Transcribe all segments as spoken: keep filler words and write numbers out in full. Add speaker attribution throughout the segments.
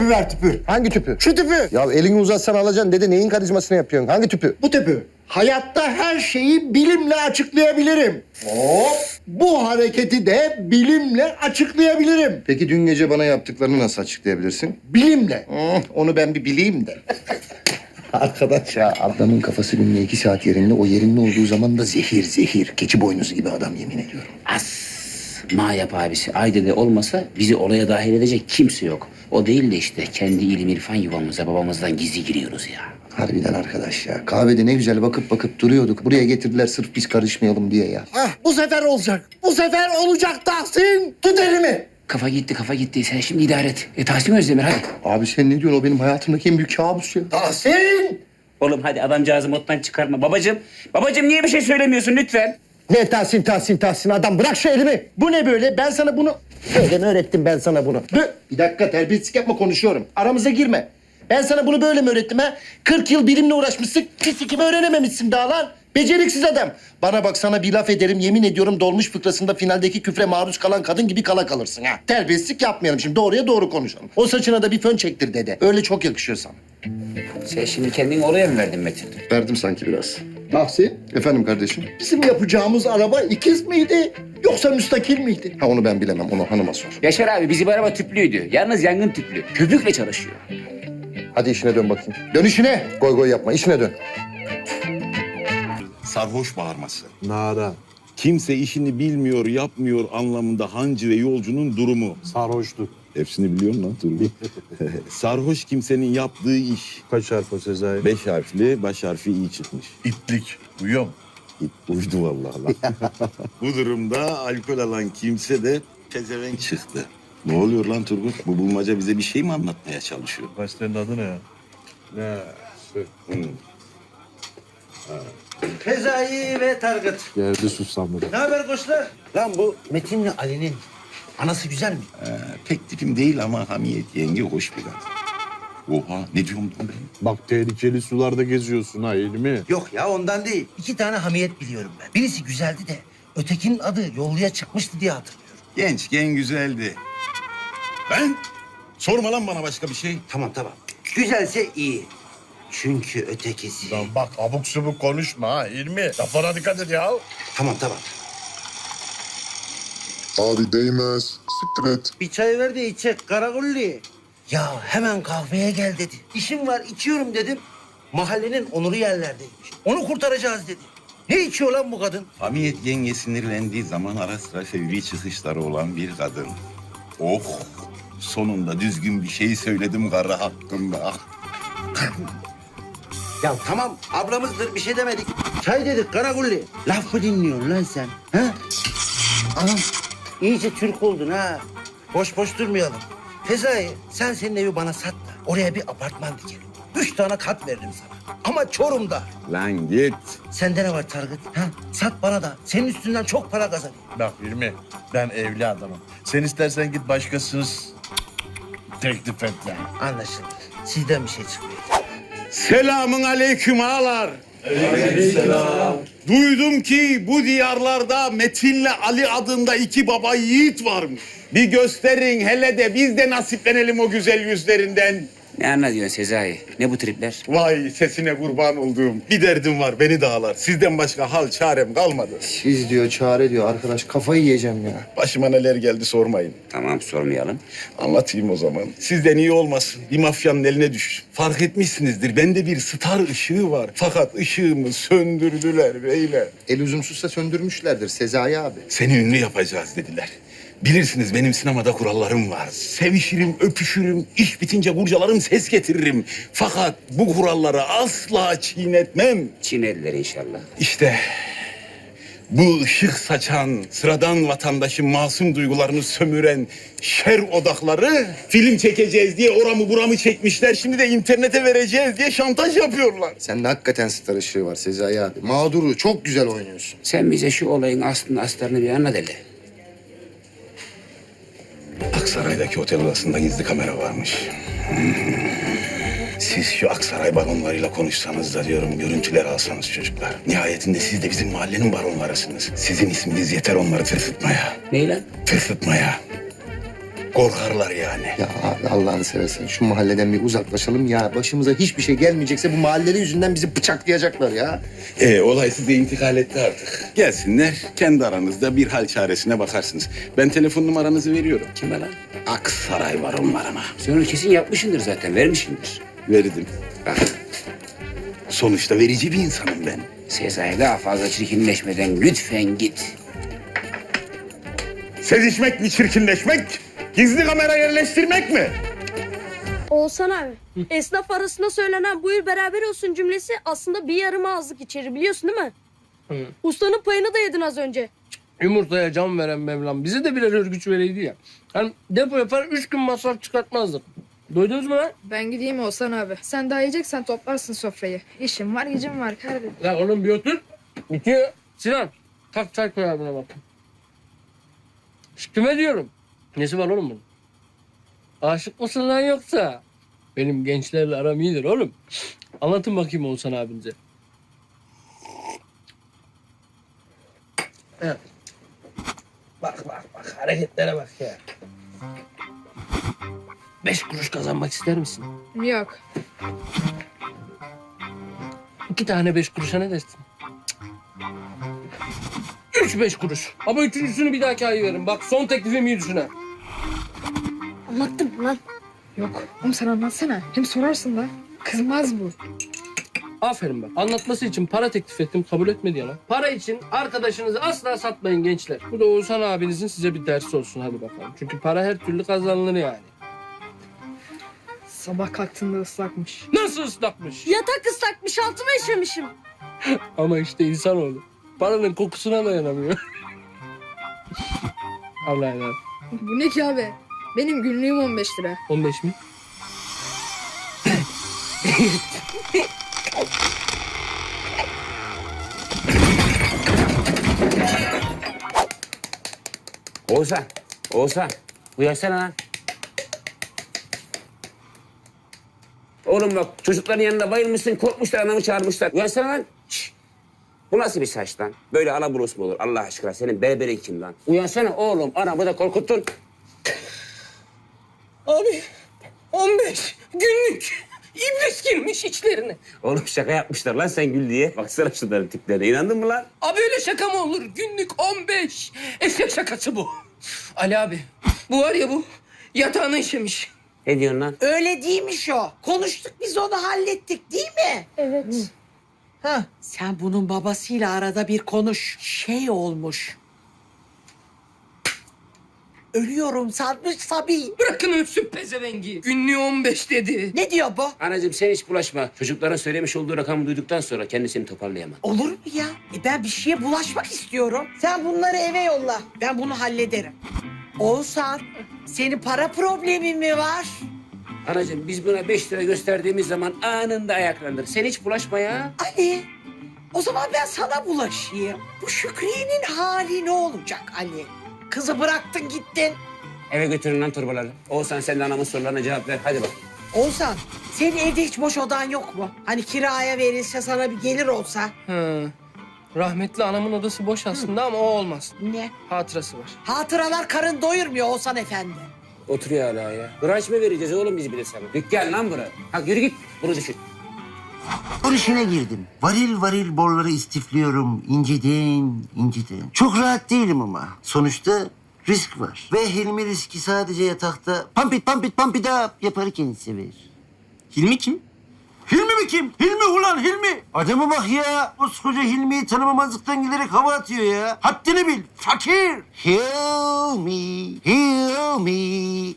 Speaker 1: Tüpü ver tüpü.
Speaker 2: Hangi tüpü?
Speaker 1: Şu tüpü.
Speaker 2: Ya elini uzatsan alacaksın dede. Neyin karizmasını yapıyorsun? Hangi tüpü?
Speaker 1: Bu tüpü. Hayatta her şeyi bilimle açıklayabilirim. Hop. Bu hareketi de bilimle açıklayabilirim.
Speaker 2: Peki dün gece bana yaptıklarını nasıl açıklayabilirsin?
Speaker 1: Bilimle.
Speaker 2: Hmm, onu ben bir bileyim de. Arkadaş ya adamın kafası günde iki saat yerinde. O yerinde olduğu zaman da zehir zehir. Keçi boynuzu gibi adam yemin ediyorum.
Speaker 3: As. Ma yap abisi. Aydede olmasa bizi olaya dahil edecek kimse yok. O değil de işte kendi ilim irfan yuvamıza babamızdan gizli giriyoruz ya.
Speaker 2: Harbiden arkadaş ya. Kahvede ne güzel bakıp bakıp duruyorduk. Buraya getirdiler sırf biz karışmayalım diye ya.
Speaker 1: Ah, bu sefer olacak. Bu sefer olacak Tahsin. Tut elimi.
Speaker 3: Kafa gitti kafa gitti. Sen şimdi idare et. E Tahsin Özdemir hadi.
Speaker 2: Abi sen ne diyorsun? O benim hayatımdaki en büyük kabus ya.
Speaker 1: Tahsin.
Speaker 3: Oğlum hadi adamcağızı moddan çıkarma. Babacığım. Babacığım niye bir şey söylemiyorsun lütfen?
Speaker 1: Ne Tahsin Tahsin Tahsin adam bırak şu elimi. Bu ne böyle? Ben sana bunu... Böyle mi öğrettim ben sana bunu? Bö- Bir dakika terbiyesizlik yapma konuşuyorum. Aramıza girme. Ben sana bunu böyle mi öğrettim ha? kırk yıl bilimle uğraşmışsın. Fisikimi öğrenememişsin daha lan. Beceriksiz adam. Bana bak sana bir laf ederim. Yemin ediyorum dolmuş fıkrasında finaldeki küfre maruz kalan kadın gibi kala kalırsın ha. Terbiyesizlik yapmayalım şimdi. Doğruya doğru konuşalım. O saçına da bir fön çektir dede. Öyle çok yakışıyor sana.
Speaker 3: Sen şimdi kendini oraya mı verdin Metin?
Speaker 2: Verdim sanki biraz.
Speaker 1: Tahsin,
Speaker 2: Efendim kardeşim?
Speaker 1: bizim yapacağımız araba ikiz miydi? Yoksa müstakil miydi?
Speaker 2: Ha onu ben bilemem. Onu hanıma sor.
Speaker 3: Yaşar abi bizim araba tüplüydü. Yalnız yangın tüplü. Köpükle çalışıyor.
Speaker 2: Hadi işine dön bakayım. Dön işine. Goy goy yapma. İşine dön.
Speaker 4: Sarhoş bağırması.
Speaker 5: Nara,
Speaker 4: Kimse işini bilmiyor, yapmıyor anlamında hancı ve yolcunun durumu.
Speaker 5: sarhoşluk.
Speaker 4: Hepsini biliyorum lan Turgut. Sarhoş kimsenin yaptığı iş.
Speaker 5: Kaç harf o Sezai?
Speaker 4: Beş harfli, baş harfi iyi çıkmış.
Speaker 6: İtlik. Uyuyor mu?
Speaker 4: İt uydu vallahi lan. Bu durumda alkol alan kimse de pezevenk çıktı. Ne oluyor lan Turgut? Bu bulmaca bize bir şey mi anlatmaya çalışıyor?
Speaker 6: Gazetenin adı ne ya?
Speaker 5: Ne? Sö-
Speaker 4: Hı.
Speaker 7: Fezai ve Targıt.
Speaker 5: Geldi susamları.
Speaker 7: Ne haber koçlar? Lan bu Metin'le Ali'nin anası güzel mi?
Speaker 4: Ee, pek tipim değil ama Hamiyet yenge hoş bir kadın. Oha ne diyorum lan ben?
Speaker 5: Bak tehlikeli sularda geziyorsun ha İlmi.
Speaker 7: Yok ya ondan değil. İki tane hamiyet biliyorum ben. Birisi güzeldi de ötekinin adı yolluya çıkmıştı diye hatırlıyorum.
Speaker 4: Gençken güzeldi. Ben? Sorma lan bana başka bir şey.
Speaker 7: Tamam tamam. Güzelse iyi. Çünkü ötekisi...
Speaker 6: Lan bak abuk subuk konuşma ha İlmi. Laflara dikkat et ya.
Speaker 7: Tamam tamam.
Speaker 8: Abi değmez. Siktir et.
Speaker 7: Bir çay ver de içecek Karagulli. Ya hemen kahveye gel dedi. İşim var içiyorum dedim. Mahallenin onuru yerlerdeymiş. Onu kurtaracağız dedi. Ne içiyor lan bu kadın?
Speaker 4: Hamiyet yenge sinirlendiği zaman ara sıra fevri çıkışları olan bir kadın. Oh! Sonunda düzgün bir şey söyledim karı hakkında.
Speaker 7: Ya tamam ablamızdır bir şey demedik. Çay dedik Karagulli. Laf mı dinliyorsun lan sen? Ha? Anam iyice Türk oldun ha. Boş boş durmayalım. Fezai sen senin evi bana sat da oraya bir apartman dikelim. Üç tane kat veririm sana. Ama Çorum'da.
Speaker 4: Lan git.
Speaker 7: Sende ne var Targıt? Ha? Sat bana da. Senin üstünden çok para kazanayım.
Speaker 6: Bak İlmi ben evli adamım. Sen istersen git başkasınız teklif et yani.
Speaker 7: Anlaşıldı. Sizden bir şey çıkmıyor.
Speaker 4: Selamun aleyküm ağalar. Duydum ki bu diyarlarda Metin'le Ali adında iki baba yiğit varmış. Bir gösterin hele de biz de nasiplenelim o güzel yüzlerinden.
Speaker 3: Ne anlatıyorsun Sezai? Ne bu tripler?
Speaker 4: Vay sesine kurban olduğum. Bir derdim var beni dağlar. Sizden başka hal çarem kalmadı.
Speaker 2: Siz diyor, çare diyor. Arkadaş kafayı yiyeceğim ya.
Speaker 4: Başıma neler geldi sormayın.
Speaker 3: Tamam sormayalım.
Speaker 4: Anlatayım o zaman. Sizden iyi olmasın. Bir mafyanın eline düş. Fark etmişsinizdir. Bende bir star ışığı var. Fakat ışığımı söndürdüler beyler.
Speaker 2: El üzümsüzse söndürmüşlerdir Sezai abi.
Speaker 4: Seni ünlü yapacağız dediler. Bilirsiniz benim sinemada kurallarım var. Sevişirim, öpüşürüm, iş bitince kurcalarım, ses getiririm. Fakat bu kuralları asla çiğnetmem.
Speaker 3: Çineliler inşallah.
Speaker 4: İşte bu ışık saçan, sıradan vatandaşın masum duygularını sömüren şer odakları film çekeceğiz diye oramı buramı çekmişler. Şimdi de internete vereceğiz diye şantaj yapıyorlar.
Speaker 2: Sende hakikaten star ışığı var Sezai abi. Mağduru çok güzel oynuyorsun.
Speaker 3: Sen bize şu olayın aslını astarını bir anlat hele.
Speaker 4: Aksaray'daki otel odasında gizli kamera varmış. Hmm. Siz şu Aksaray baronlarıyla konuşsanız da diyorum, görüntüler alsanız çocuklar. Nihayetinde siz de bizim mahallenin baronlarısınız. Sizin isminiz yeter onları tırsıtmaya.
Speaker 3: Ney lan?
Speaker 4: Tırsıtmaya. Korkarlar yani.
Speaker 2: Ya abi Allah'ını seversen şu mahalleden bir uzaklaşalım ya. Başımıza hiçbir şey gelmeyecekse bu mahalleleri yüzünden bizi bıçaklayacaklar ya.
Speaker 4: Ee, olay size intikal etti artık. Gelsinler, kendi aranızda bir hal çaresine bakarsınız. Ben telefon numaranızı veriyorum.
Speaker 3: Kime lan?
Speaker 4: Aksaray var onlarına.
Speaker 3: Sen onu kesin yapmışsındır zaten, vermişsindir.
Speaker 4: Verdim.
Speaker 3: Bak,
Speaker 4: Sonuçta verici bir insanım ben.
Speaker 3: Sezai daha fazla çirkinleşmeden lütfen git.
Speaker 4: Sezişmek mi çirkinleşmek? Gizli kamera yerleştirmek mi?
Speaker 9: Oğuzhan abi, esnaf arasında söylenen buyur beraber olsun cümlesi aslında bir yarım ağızlık içeri biliyorsun değil mi? Ustanın payını da yedin az önce.
Speaker 10: Yumurtaya can veren Mevlam bize de birer örgüç vereydi ya. Hani depo yapar üç gün masraf çıkartmazdık. Duydunuz mu lan?
Speaker 11: Ben gideyim Oğuzhan abi. Sen daha yiyeceksen toplarsın sofrayı. İşim var, gücüm var kardeşim.
Speaker 10: Ya oğlum bir otur. Bitiyor. Sinan kalk çay koy abine bak. Şş, kime diyorum? Nesi var oğlum bunun? Aşık mısın lan yoksa? Benim gençlerle aram iyidir oğlum. Anlatın bakayım Oğuzhan abinize. Evet. Bak bak bak hareketlere bak ya. Beş kuruş kazanmak ister misin?
Speaker 11: Yok.
Speaker 10: İki tane beş kuruşa ne dersin? Cık. Üç beş kuruş. Ama üçüncüsünü bir dahaki ay veririm. Bak son teklifim iyi düşün ha.
Speaker 9: Anlattım lan.
Speaker 11: Yok. Oğlum sen anlatsana. Hem sorarsın da. Kızmaz bu.
Speaker 10: Aferin bak. Anlatması için para teklif ettim. Kabul etmedi ya lan. Para için arkadaşınızı asla satmayın gençler. Bu da Oğuzhan abinizin size bir dersi olsun. Hadi bakalım. Çünkü para her türlü kazanılır yani.
Speaker 11: Sabah kalktığında ıslakmış.
Speaker 10: Nasıl ıslakmış?
Speaker 9: Yatak ıslakmış, altıma işemişim.
Speaker 10: Ama işte insanoğlu. Paranın kokusuna dayanamıyor. Allah'a emanet.
Speaker 11: Bu ne ki abi? Benim günlüğüm on beş lira.
Speaker 10: on beş mi?
Speaker 3: Oğuzhan, Oğuzhan. Uyansana lan. Oğlum bak çocukların yanında bayılmışsın, korkmuşlar, anamı çağırmışlar. Uyansana lan. Şişt. Bu nasıl bir saç lan? Böyle alaburus mu olur Allah aşkına? Senin berberin kim lan? Uyansana oğlum, anamı da korkuttun.
Speaker 10: Abi on beş günlük iblis girmiş içlerine.
Speaker 3: Oğlum şaka yapmışlar lan sen gül diye. Baksana şunların tiplerine. İnandın mı lan?
Speaker 10: Abi öyle şaka mı olur? Günlük on beş. Eşek şakası bu. Ali abi bu var ya bu yatağını işemiş.
Speaker 3: Ne diyorsun lan?
Speaker 12: Öyle değilmiş o. Konuştuk biz onu hallettik değil mi?
Speaker 9: Evet.
Speaker 12: Ha. Sen bunun babasıyla arada bir konuş. Şey olmuş. Ölüyorum sanmış Sabi.
Speaker 10: Bırakın ölsün pezevengi. Günlüğü on beş dedi.
Speaker 12: Ne diyor bu?
Speaker 3: Anacığım sen hiç bulaşma. Çocukların söylemiş olduğu rakamı duyduktan sonra kendisini toparlayamaz.
Speaker 12: Olur mu ya? E ben bir şeye bulaşmak istiyorum. Sen bunları eve yolla. Ben bunu hallederim. Oğuzhan, senin para problemin mi var?
Speaker 3: Anacığım biz buna beş lira gösterdiğimiz zaman anında ayaklanır. Sen hiç bulaşma ya.
Speaker 12: Ali, o zaman ben sana bulaşayım. Bu Şükriye'nin hali ne olacak Ali? Kızı bıraktın gittin.
Speaker 3: Eve götürün lan torbaları. Oğuzhan sen de anamın sorularına cevap ver. Hadi bak.
Speaker 12: Oğuzhan, senin evde hiç boş odan yok mu? Hani kiraya verilse sana bir gelir olsa.
Speaker 10: Hı. Rahmetli anamın odası boş aslında ama o olmaz.
Speaker 12: Ne?
Speaker 10: Hatırası var.
Speaker 12: Hatıralar karın doyurmuyor Oğuzhan efendi.
Speaker 3: Oturuyor hala ya. Branş mı vereceğiz oğlum biz bir de sana? Dükkan lan bura. Ha yürü git. Bunu düşün.
Speaker 7: Spor işine girdim. Varil varil borları istifliyorum. İnceden, inceden. Çok rahat değilim ama. Sonuçta risk var. Ve Hilmi riski sadece yatakta pampit pampit pampida yaparken sever. Hilmi kim? Hilmi mi kim? Hilmi ulan Hilmi. Adama bak ya. Koskoca Hilmi'yi tanımamazlıktan giderek hava atıyor ya. Haddini bil. Fakir. Hilmi, Hilmi,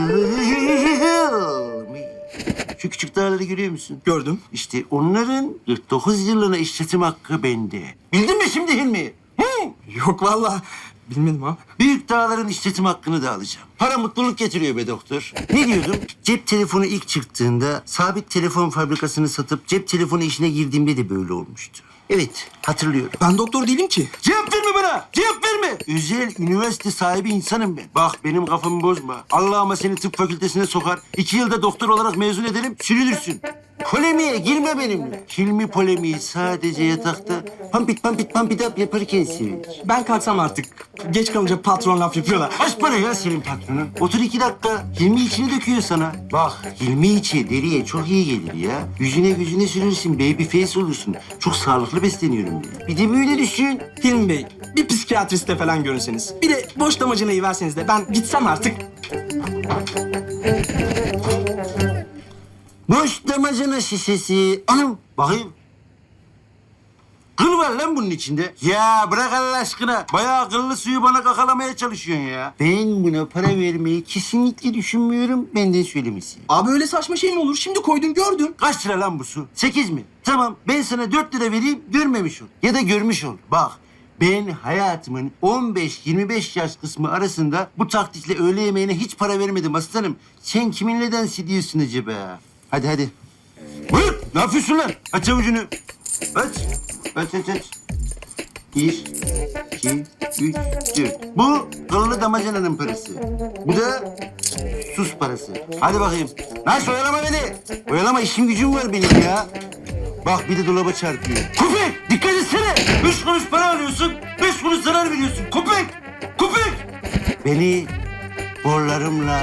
Speaker 7: Hilmi. Şu küçük dağları görüyor musun? Gördüm. İşte onların kırk dokuz yıllığına işletim hakkı bende. Bildin mi şimdi Hilmi? Hı? Yok vallahi. Bilmedim abi. Büyük dağların işletim hakkını da alacağım. Para mutluluk getiriyor be doktor. Ne diyordum? Cep telefonu ilk çıktığında sabit telefon fabrikasını satıp cep telefonu işine girdiğimde de böyle olmuştu. Evet, hatırlıyorum. Ben doktor değilim ki. Cevap verme bana! Cevap verme! Özel üniversite sahibi insanım ben. Bak benim kafamı bozma. Allah'ıma seni tıp fakültesine sokar. İki yılda doktor olarak mezun ederim, sürülürsün. Polemiğe girme benimle. Hilmi polemiği sadece yatakta pampit pampit pampit up yaparken sevilir.
Speaker 10: Ben kalksam artık. Geç kalınca patron laf yapıyorlar.
Speaker 7: Kaç para ya senin patronun? Otur iki dakika. Hilmi içini döküyor sana. Bak Hilmi içi deriye çok iyi gelir ya. Yüzüne yüzüne sürürsün. Baby face olursun. Çok sağlıklı besleniyorum diye. Bir de böyle düşün.
Speaker 10: Hilmi Bey, bir psikiyatriste falan görünseniz. Bir de boş damacanayı verseniz de ben gitsem artık.
Speaker 7: Boş damacana şişesi. Anam bakayım. Kıl var lan bunun içinde. Ya bırak Allah aşkına. Bayağı kıllı suyu bana kakalamaya çalışıyorsun ya. Ben buna para vermeyi kesinlikle düşünmüyorum. Benden söylemesi.
Speaker 10: Abi öyle saçma şey mi olur? Şimdi koydun gördün.
Speaker 7: Kaç lira lan bu su? Sekiz mi? Tamam ben sana dört lira vereyim görmemiş ol. Ya da görmüş ol. Bak ben hayatımın on beş yirmi beş yaş kısmı arasında bu taktikle öğle yemeğine hiç para vermedim aslanım. Sen kiminle dans ediyorsun acaba? Hadi hadi. Buyur. Ne yapıyorsun lan? Aç avucunu. Aç. Aç aç aç. Bir, iki, üç, dört. Bu kıllı damacananın parası. Bu da sus parası. Hadi bakayım. Nasıl oyalama beni? Oyalama işim gücüm var benim ya. Bak bir de dolaba çarpıyor. Köpek! Dikkat etsene! Beş kuruş para alıyorsun, beş kuruş zarar veriyorsun. Köpek! Köpek! Beni borlarımla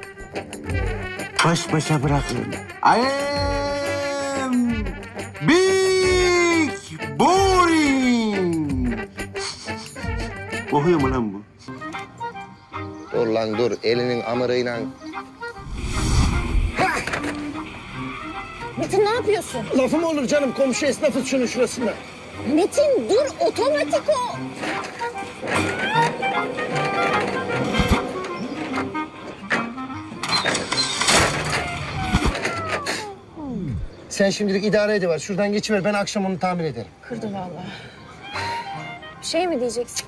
Speaker 7: baş başa bırakın. I am big boring. Okuyor mu lan bu?
Speaker 2: Dur lan dur. Elinin amırıyla.
Speaker 9: Metin ne yapıyorsun?
Speaker 1: Lafım olur canım. Komşu esnafız şunun şurasında.
Speaker 9: Metin dur otomatik o.
Speaker 1: Sen şimdilik idare ediver. Şuradan geçiver. Ben akşam onu tamir ederim.
Speaker 9: Kırdı vallahi. Bir şey mi diyeceksin?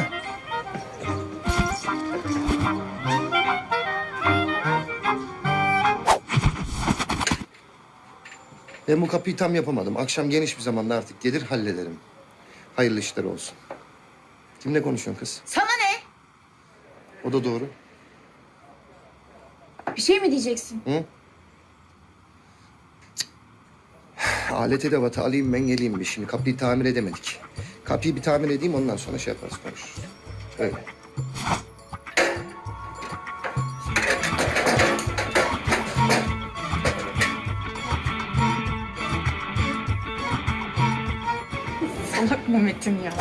Speaker 2: Ben bu kapıyı tam yapamadım. Akşam geniş bir zamanda artık gelir hallederim. Hayırlı işler olsun. Kimle konuşuyorsun kız?
Speaker 11: Sana ne?
Speaker 2: O da doğru.
Speaker 11: Bir şey mi diyeceksin?
Speaker 2: Hı? Alet edevatı alayım ben geleyim bir. Şimdi kapıyı tamir edemedik. Kapıyı bir tamir edeyim ondan sonra şey yaparız konuşuruz. Öyle.
Speaker 11: Salak mı Metin ya?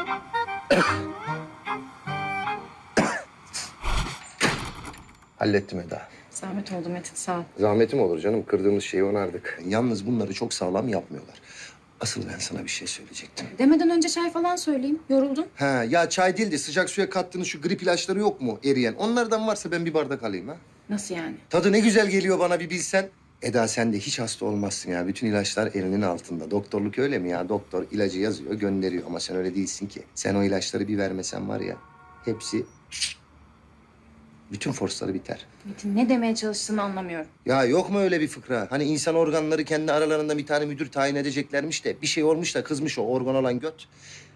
Speaker 2: Hallettim Eda.
Speaker 11: Zahmet oldu Metin sağ ol.
Speaker 2: Zahmetim olur canım. Kırdığımız şeyi onardık. Yalnız bunları çok sağlam yapmıyorlar. Asıl ben sana bir şey söyleyecektim.
Speaker 11: Demeden önce çay falan söyleyeyim. Yoruldum.
Speaker 2: Ha ya çay değil de sıcak suya kattığınız şu grip ilaçları yok mu eriyen? Onlardan varsa ben bir bardak alayım ha.
Speaker 11: Nasıl yani?
Speaker 2: Tadı ne güzel geliyor bana bir bilsen. Eda sen de hiç hasta olmazsın ya. Bütün ilaçlar elinin altında. Doktorluk öyle mi ya? Doktor ilacı yazıyor, gönderiyor ama sen öyle değilsin ki. Sen o ilaçları bir vermesen var ya, hepsi bütün forsları biter.
Speaker 11: Metin ne demeye çalıştığını anlamıyorum.
Speaker 2: Ya yok mu öyle bir fıkra? Hani insan organları kendi aralarında bir tane müdür tayin edeceklermiş de bir şey olmuş da kızmış o organ olan göt.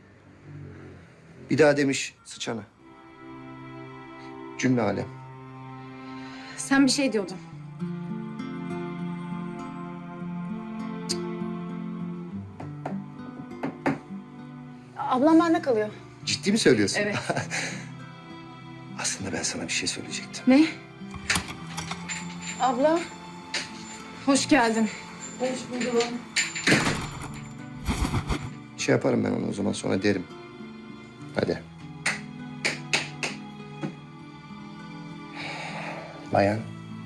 Speaker 2: Bir daha demiş sıçana. Cümle alem.
Speaker 11: Sen bir şey diyordun. Ablam bende kalıyor.
Speaker 2: Ciddi mi söylüyorsun?
Speaker 11: Evet.
Speaker 2: Aslında ben sana bir şey söyleyecektim.
Speaker 11: Ne? Abla. Hoş geldin.
Speaker 2: Şey yaparım ben onu o zaman sonra derim. Hadi. Bayan.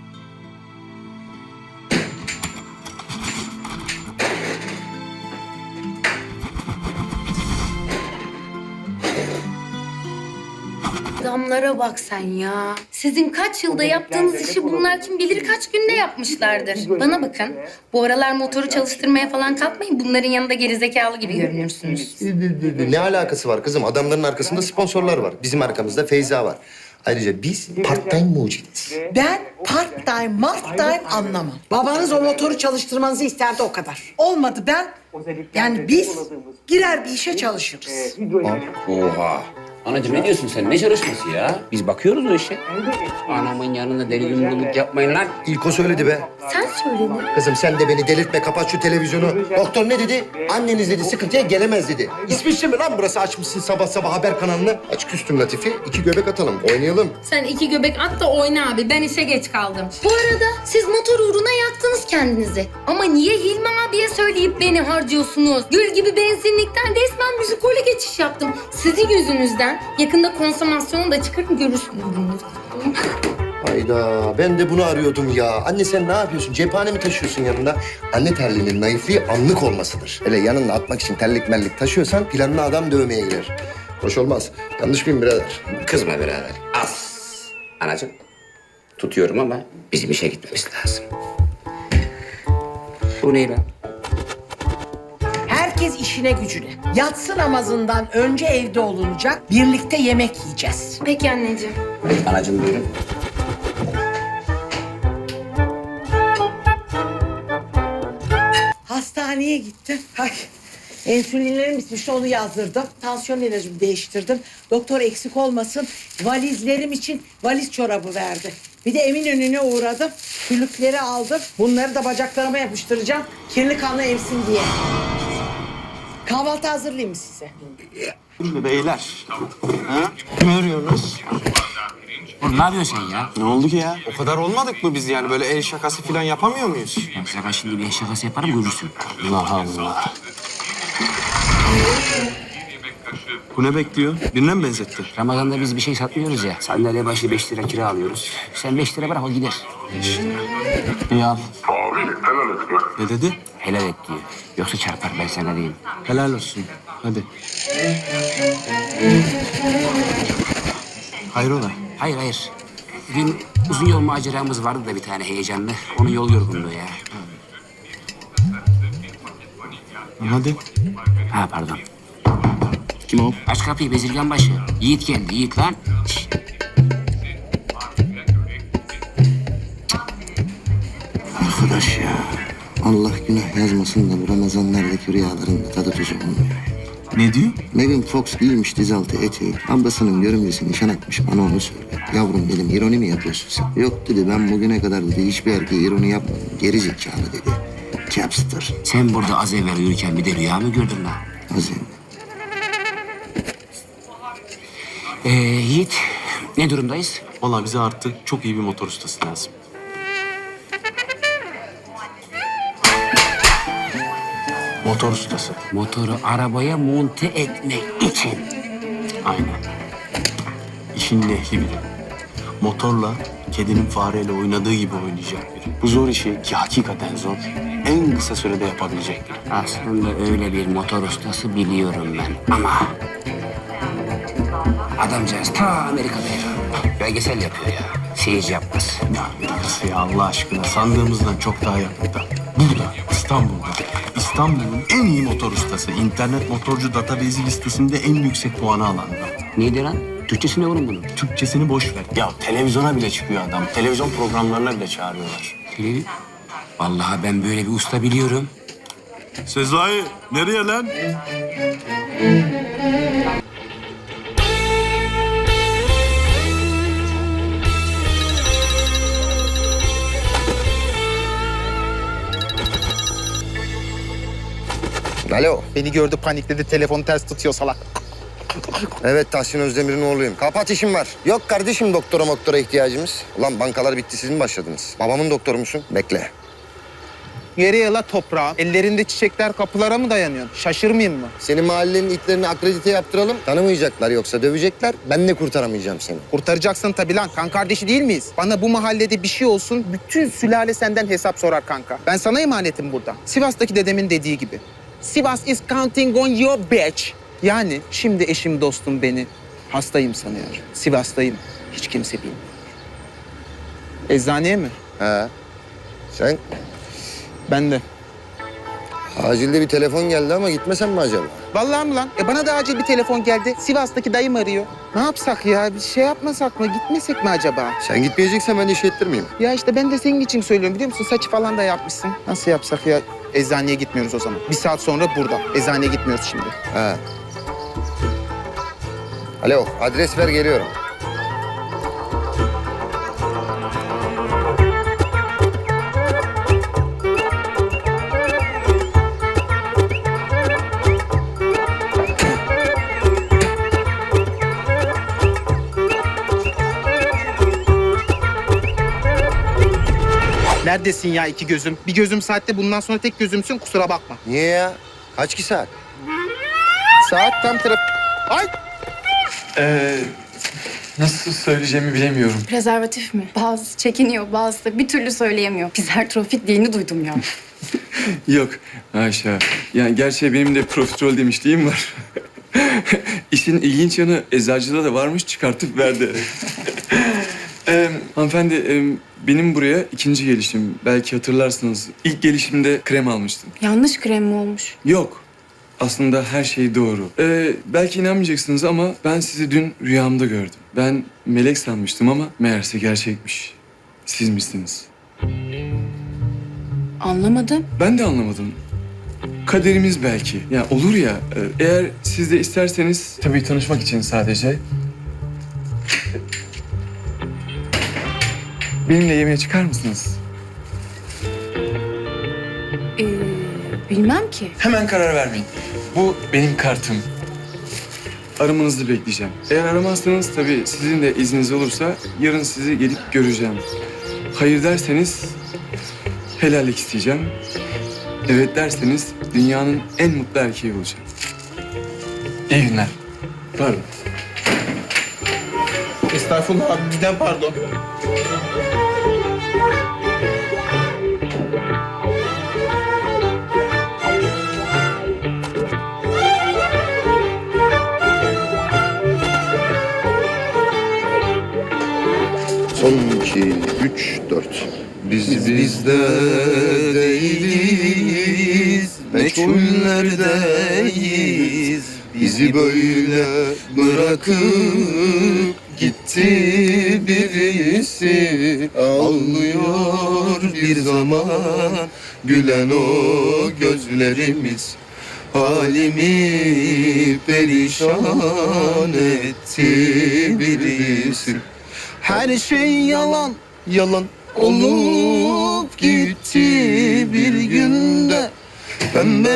Speaker 9: Adamlara bak sen ya. Sizin kaç yılda yaptığınız işi bunlar kim bilir kaç günde yapmışlardır. Bana bakın. Bu aralar motoru çalıştırmaya falan kalkmayın. Bunların yanında gerizekalı gibi görünürsünüz.
Speaker 2: Ne alakası var kızım? Adamların arkasında sponsorlar var. Bizim arkamızda Feyza var. Ayrıca biz part-time mucitiz.
Speaker 12: Ben part time, mart time anlamam. Babanız o motoru çalıştırmanızı isterdi o kadar. Olmadı ben, yani biz girer bir işe çalışırız.
Speaker 3: Oha. Anacığım ne diyorsun sen? Ne çalışması ya? Biz bakıyoruz o işe. Anamın yanında deli yumruluk yapmayın lan.
Speaker 2: İlk o söyledi be.
Speaker 9: Sen söyledin.
Speaker 2: Kızım sen de beni delirtme, kapat şu televizyonu. Doktor ne dedi? Anneniz dedi sıkıntıya gelemez dedi. İsviçre mi lan burası, açmışsın sabah sabah haber kanalını? Aç küstüm Latife, iki göbek atalım, oynayalım.
Speaker 9: Sen iki göbek at da oyna abi. Ben işe geç kaldım. Bu arada siz motor uğruna yaktınız kendinizi. Ama niye Hilmi abiye söyleyip beni harcıyorsunuz? Gül gibi benzinlikten resmen müzikole geçiş yaptım. Sizin yüzünüzden. Yakında konsomasyonu da çıkarım görürsünüz bunu.
Speaker 2: Hayda, ben de bunu arıyordum ya. Anne sen ne yapıyorsun? Cephane mi taşıyorsun yanında? Anne terliğinin naifliği anlık olmasıdır. Hele yanına atmak için terlik merlik taşıyorsan planına adam dövmeye girer. Hoş olmaz. Yanlış mıyım birader?
Speaker 3: Kızma birader. Az. Anacığım. Tutuyorum ama bizim işe gitmemiz lazım. Bu ne lan?
Speaker 12: Herkes işine gücüne. Yatsı namazından önce evde olunacak. Birlikte yemek yiyeceğiz.
Speaker 9: Peki anneciğim.
Speaker 3: Anacığım buyurun.
Speaker 12: Hastaneye gittim. Ay, insülinlerim bitmişti, onu yazdırdım. Tansiyon ilacımı değiştirdim. Doktor eksik olmasın, valizlerim için valiz çorabı verdi. Bir de Eminönü'ne uğradım. Küllükleri aldım. Bunları da bacaklarıma yapıştıracağım. Kirli kanla emsin diye. Kahvaltı hazırlayayım mı size?
Speaker 13: Beyler. Ha? Ne arıyorsunuz?
Speaker 3: Oğlum ne yapıyorsun sen ya?
Speaker 13: Ne oldu ki ya? O kadar olmadık mı biz yani? Böyle el şakası falan yapamıyor muyuz?
Speaker 3: Ya sana şimdi bir şakası yaparım görürsün.
Speaker 13: Allah Allah. Bu ne bekliyor? Birine mi benzetti?
Speaker 3: Ramazan'da biz bir şey satmıyoruz ya. Sandalye başı beş lira kira alıyoruz. Sen beş lira bırak o gider.
Speaker 13: İyi al. Ne dedi?
Speaker 3: Helal et diyor. Yoksa çarpar ben sana diyeyim.
Speaker 13: Helal olsun. Hadi. Hayrola?
Speaker 3: Hayır hayır. Dün uzun yol maceramız vardı da bir tane heyecanlı. Onun yol yorgunluğu ya.
Speaker 13: Hadi.
Speaker 3: Ha pardon.
Speaker 13: Kim o?
Speaker 3: Aç kapıyı bezirgan başı. Yiğit geldi Yiğit lan. Şişt.
Speaker 2: Arkadaş ya. Allah günah yazmasın da bu Ramazanlardaki rüyaların da tadı tuzu olmuyor.
Speaker 13: Ne diyor?
Speaker 2: Megan Fox giymiş dizaltı eteği. Ablasının görümcesi nişan atmış, bana onu söyle. Yavrum dedim, ironi mi yapıyorsun sen? Yok dedi, ben bugüne kadar dedi hiçbir erkeğe ironi yapmadım. Geri zekalı dedi. Capster.
Speaker 3: Sen burada az evvel uyurken bir de rüya mı gördün lan?
Speaker 2: Azim.
Speaker 3: Ee, Yiğit ne durumdayız?
Speaker 13: Vallahi bize artık çok iyi bir motor ustası lazım. Motor ustası.
Speaker 3: Motoru arabaya monte etmek için.
Speaker 13: Aynen. İşin ehli biri. Motorla kedinin fareyle oynadığı gibi oynayacak biri. Bu zor işi ki hakikaten zor. En kısa sürede yapabilecek biri.
Speaker 3: Aslında öyle bir motor ustası biliyorum ben ama... Adamcağız ta Amerika'da ya. Belgesel yapıyor ya. Seyirci yapmaz.
Speaker 13: Ya Amerika'sı ya Allah aşkına sandığımızdan çok daha yakında. Burada, İstanbul'da. İstanbul'un en iyi motor ustası. İnternet motorcu database listesinde en yüksek puanı alan adam.
Speaker 3: Neydi lan? Türkçesi ne oğlum bunun?
Speaker 13: Türkçesini boş ver. Ya televizyona bile çıkıyor adam. Televizyon programlarına bile çağırıyorlar.
Speaker 3: Televiz- Vallahi ben böyle bir usta biliyorum.
Speaker 6: Sezai, nereye lan?
Speaker 2: Alo.
Speaker 4: Beni gördü panikledi telefonu ters tutuyor salak.
Speaker 2: Evet, Tahsin Özdemir'in oğluyum. Kapat, işim var. Yok kardeşim, doktora moktora ihtiyacımız. Ulan bankalar bitti, siz mi başladınız? Babamın doktoru musun? Bekle.
Speaker 4: Geriye la toprağa. Ellerinde çiçekler kapılara mı dayanıyor? Şaşırmayayım mı?
Speaker 2: Senin mahallenin itlerini akredite yaptıralım. Tanımayacaklar, yoksa dövecekler. Ben de kurtaramayacağım seni.
Speaker 4: Kurtaracaksın tabii lan. Kan kardeşi değil miyiz? Bana bu mahallede bir şey olsun, bütün sülale senden hesap sorar kanka. Ben sana emanetim burada. Sivas'taki dedemin dediği gibi. Sivas is counting on your bitch. Yani şimdi eşim dostum beni hastayım sanıyor. Sivas'tayım. Hiç kimse bilmiyor. Eczaneye mi?
Speaker 2: He. Sen?
Speaker 4: Ben de.
Speaker 2: Acilde bir telefon geldi ama gitmesen mi acaba?
Speaker 4: Vallahi mi lan? E bana da acil bir telefon geldi. Sivas'taki dayım arıyor. Ne yapsak ya? Bir şey yapmasak mı? Gitmesek mi acaba?
Speaker 2: Sen gitmeyeceksen ben iş ettirmeyeyim.
Speaker 4: Ya işte ben de senin için söylüyorum biliyor musun? Saçı falan da yapmışsın. Nasıl yapsak ya? Eczaneye gitmiyoruz o zaman. Bir saat sonra burada. Eczaneye gitmiyoruz şimdi.
Speaker 2: He. Alo, adres ver geliyorum.
Speaker 14: Neredesin ya iki gözüm? Bir gözüm saatte bundan sonra tek gözümsün kusura bakma.
Speaker 2: Niye ya? Kaç ki saat?
Speaker 14: Saat tam taraf... Ay!
Speaker 15: Ee, nasıl söyleyeceğimi bilemiyorum.
Speaker 11: Prezervatif mi? Bazısı çekiniyor, bazısı da bir türlü söyleyemiyor. Pizertrofik dilini duydum ya.
Speaker 15: Yok Ayşe. Yani gerçi benim de profiterol demişliğim var. İşin ilginç yanı eczacıda da varmış çıkartıp verdi. ee, hanımefendi e, benim buraya ikinci gelişim. Belki hatırlarsınız. İlk gelişimde krem almıştım.
Speaker 11: Yanlış krem mi olmuş?
Speaker 15: Yok. Aslında her şey doğru. Ee, belki inanmayacaksınız ama ben sizi dün rüyamda gördüm. Ben melek sanmıştım ama meğerse gerçekmiş. Siz misiniz?
Speaker 11: Anlamadım.
Speaker 15: Ben de anlamadım. Kaderimiz belki. Ya olur ya, e, eğer siz de isterseniz... Tabii tanışmak için sadece. Benimle yemeğe çıkar mısınız?
Speaker 11: Ee, bilmem ki.
Speaker 15: Hemen karar vermeyin. Bu benim kartım. Aramanızı bekleyeceğim. Eğer aramazsanız tabii sizin de izniniz olursa yarın sizi gelip göreceğim. Hayır derseniz helallik isteyeceğim. Evet derseniz dünyanın en mutlu erkeği olacağım. İyi günler. Pardon.
Speaker 14: Estağfurullah abi, bizden pardon.
Speaker 2: Son iki, üç, dört. Biz bizde değiliz, meçhullerdeyiz. Bizi böyle bırakıp gitti birisi. Ağlıyor bir zaman gülen o gözlerimiz. Halimi perişan etti birisi. Her şey yalan, yalan olup gitti bir günde. Pembe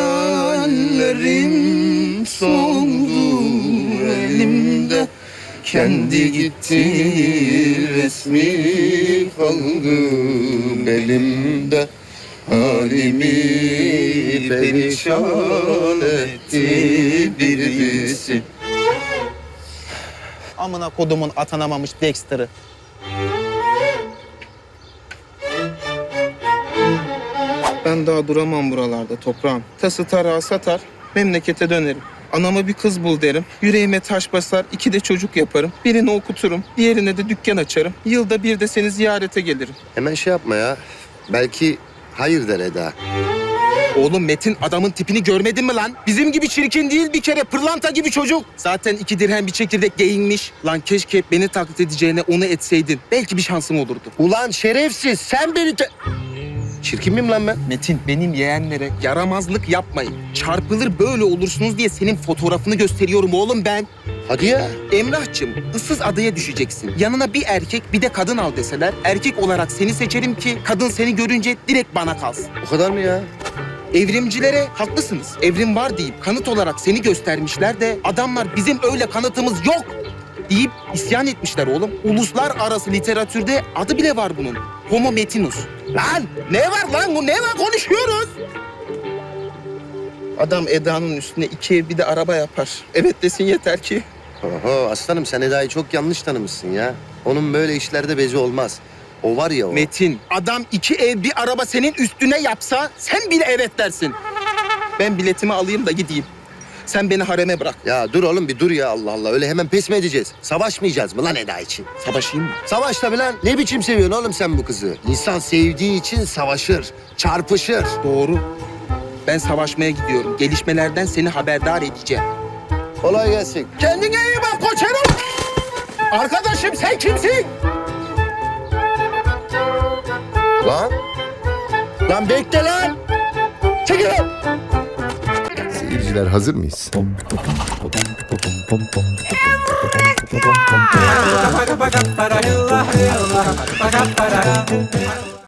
Speaker 2: hayallerim soldu elimde. Kendi gitti, resmi kaldı elimde. Halimi perişan etti birisi.
Speaker 14: Amına kodumun atanamamış Dexter'ı. Ben daha duramam buralarda toprağım. Tası tarağı satar, memlekete dönerim. Anama bir kız bul derim. Yüreğime taş basar, iki de çocuk yaparım. Birini okuturum, diğerine de dükkan açarım. Yılda bir de seni ziyarete gelirim.
Speaker 2: Hemen şey yapma ya. Belki hayır der Eda.
Speaker 14: Oğlum Metin adamın tipini görmedin mi lan? Bizim gibi çirkin değil bir kere, pırlanta gibi çocuk. Zaten iki dirhem bir çekirdek geyinmiş. Lan keşke beni taklit edeceğine onu etseydin. Belki bir şansım olurdu.
Speaker 2: Ulan şerefsiz, sen beni... te- Çirkin miyim lan ben?
Speaker 14: Metin, benim yeğenlere yaramazlık yapmayın. Çarpılır böyle olursunuz diye senin fotoğrafını gösteriyorum oğlum ben.
Speaker 2: Hadi ya.
Speaker 14: Emrah'cığım, ıssız adaya düşeceksin. Yanına bir erkek bir de kadın al deseler, erkek olarak seni seçerim ki kadın seni görünce direkt bana kalsın.
Speaker 2: O kadar mı ya?
Speaker 14: Evrimcilere haklısınız. Evrim var deyip kanıt olarak seni göstermişler de adamlar bizim öyle kanıtımız yok deyip isyan etmişler oğlum. Uluslararası literatürde adı bile var bunun. Homo metinus. Lan ne var lan bu ne var konuşuyoruz. Adam Eda'nın üstüne iki ev bir de araba yapar. Evet desin yeter ki.
Speaker 2: Oho aslanım sen Eda'yı çok yanlış tanımışsın ya. Onun böyle işlerde bezi olmaz. O var ya o.
Speaker 14: Metin, adam iki ev bir araba senin üstüne yapsa sen bile evet dersin. Ben biletimi alayım da gideyim. Sen beni hareme bırak.
Speaker 2: Ya dur oğlum bir dur ya Allah Allah. Öyle hemen pes mi edeceğiz? Savaşmayacağız mı lan Eda için?
Speaker 14: Savaşayım mı?
Speaker 2: Savaş tabii lan. Ne biçim seviyorsun oğlum sen bu kızı? İnsan sevdiği için savaşır, çarpışır.
Speaker 14: Doğru. Ben savaşmaya gidiyorum. Gelişmelerden seni haberdar edeceğim.
Speaker 2: Kolay gelsin.
Speaker 14: Kendine iyi bak koçerim. Arkadaşım sen kimsin?
Speaker 2: Lan.
Speaker 1: Lan bekle lan. Çekil lan.
Speaker 2: seyirciler hazır mıyız?